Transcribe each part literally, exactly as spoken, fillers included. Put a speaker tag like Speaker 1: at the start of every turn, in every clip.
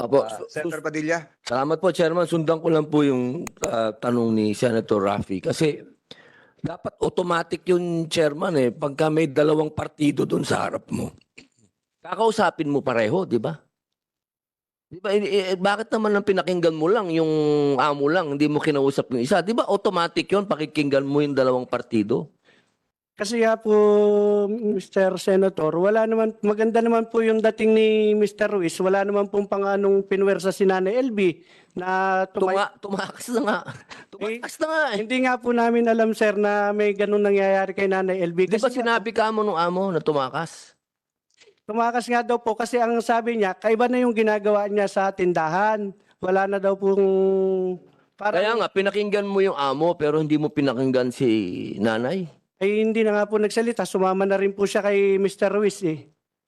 Speaker 1: Apo,
Speaker 2: Ah,
Speaker 1: su-
Speaker 2: Senator
Speaker 1: su-
Speaker 2: Padilla.
Speaker 1: salamat po, Chairman. Sundan ko lang po yung ah, tanong ni Senator Raffy. Kasi dapat automatic yung Chairman eh. Pagka may dalawang partido doon sa harap mo, kakausapin mo pareho, di ba? Di ba, eh, eh, bakit naman ang pinakinggan mo lang yung amo lang, hindi mo kinausap yung isa? Di ba automatic yun, pakikinggan mo yung dalawang partido?
Speaker 3: Kasi nga po, mister Senator, wala naman, maganda naman po yung dating ni mister Ruiz. Wala naman pong panganong pinwersa si Nanay L B na tumay...
Speaker 1: Tuma tumakas na nga. Tumakas na nga eh.
Speaker 3: Hindi nga po namin alam, sir, na may ganun nangyayari kay Nanay L B.
Speaker 1: Di ba
Speaker 3: Kasi nga
Speaker 1: sinabi ka mo nung amo na tumakas?
Speaker 3: tumakas nga daw po kasi ang sabi niya, kaiba na yung ginagawa niya sa tindahan. Wala na daw pong... Parang,
Speaker 1: Kaya nga, pinakinggan mo yung amo pero hindi mo pinakinggan si nanay.
Speaker 3: ay hindi na nga po nagsalita. Sumama na rin po siya kay mister Ruiz eh.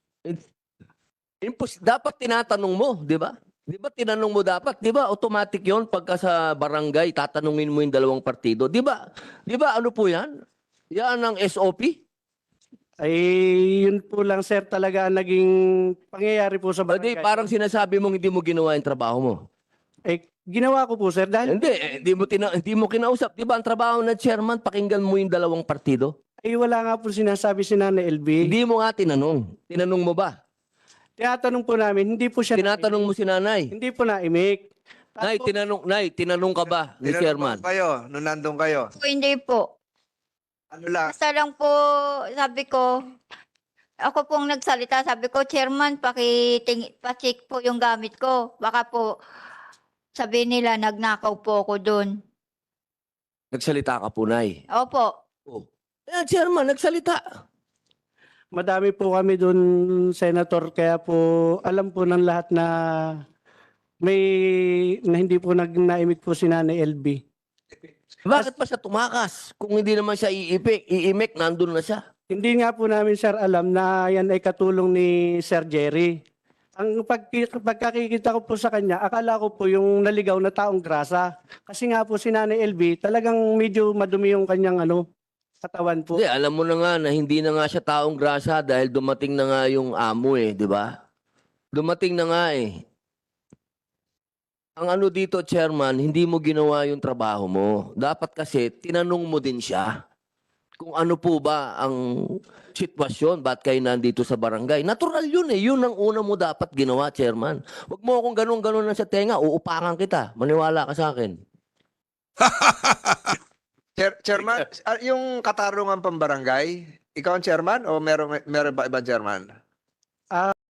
Speaker 1: Impos dapat tinatanong mo, di ba? Di ba tinanong mo dapat? Di ba automatic yon pagka sa barangay, tatanungin mo yung dalawang partido. Di ba? Di ba ano po yan? Yan ang S O P?
Speaker 3: Ay yun po lang, sir, talaga ang naging pangyayari po sa
Speaker 1: O di,
Speaker 3: barangay.
Speaker 1: parang sinasabi mong hindi mo ginawa yung trabaho mo.
Speaker 3: Eh, ginawa ko po, sir, dahil
Speaker 1: Hindi, eh, hindi mo, tina hindi mo kinausap. Di ba ang trabaho ng chairman, pakinggan mo yung dalawang partido?
Speaker 3: ay wala nga po sinasabi si Nanay L B.
Speaker 1: Hindi mo nga tinanong. Tinanong mo ba?
Speaker 3: Tinatanong po namin, hindi po siya
Speaker 1: Tinatanong mo si nanay.
Speaker 3: hindi po naimik.
Speaker 1: Nay, tinanong, nay, tinanong ka ba ni
Speaker 2: Tinanong
Speaker 1: chairman?
Speaker 2: ba kayo nung nandun kayo?
Speaker 4: Po, hindi po.
Speaker 2: Ano lang?
Speaker 4: Basta lang po, sabi ko, ako pong nagsalita, sabi ko, Chairman, pakiting, pacheck po yung gamit ko. Baka po, sabi nila, nagnakaw po ako doon.
Speaker 1: Nagsalita ka po, nay.
Speaker 4: Opo.
Speaker 1: Oh. Eh, chairman, nagsalita.
Speaker 3: Madami po kami doon, Senator, kaya po alam po ng lahat na may na hindi po nag naimik po si Nanay L B.
Speaker 1: Bakit pa siya tumakas? Kung hindi naman siya iipik, iimik, nandun na siya.
Speaker 3: Hindi nga po namin, sir, alam na yan ay katulong ni Sir Jerry. Ang pag, pagkakikita ko po sa kanya, akala ko po yung naligaw na taong grasa. Kasi nga po si Nanay L B, talagang medyo madumi yung kanyang ano, katawan po.
Speaker 1: Hindi, alam mo na nga na hindi na nga siya taong grasa dahil dumating na nga yung amo eh, di ba? Dumating na nga eh. Ang ano dito, chairman, hindi mo ginawa yung trabaho mo. Dapat kasi tinanong mo din siya kung ano po ba ang sitwasyon, ba't kayo nandito sa barangay. Natural yun eh, yun ang una mo dapat ginawa, chairman. Huwag mo akong ganun-ganun na sa tenga, uupakan kita. Maniwala ka sa akin.
Speaker 2: Chair, chairman, ah, yung katarungan pambarangay, ikaw ang chairman o meron, meron ba ibang chairman?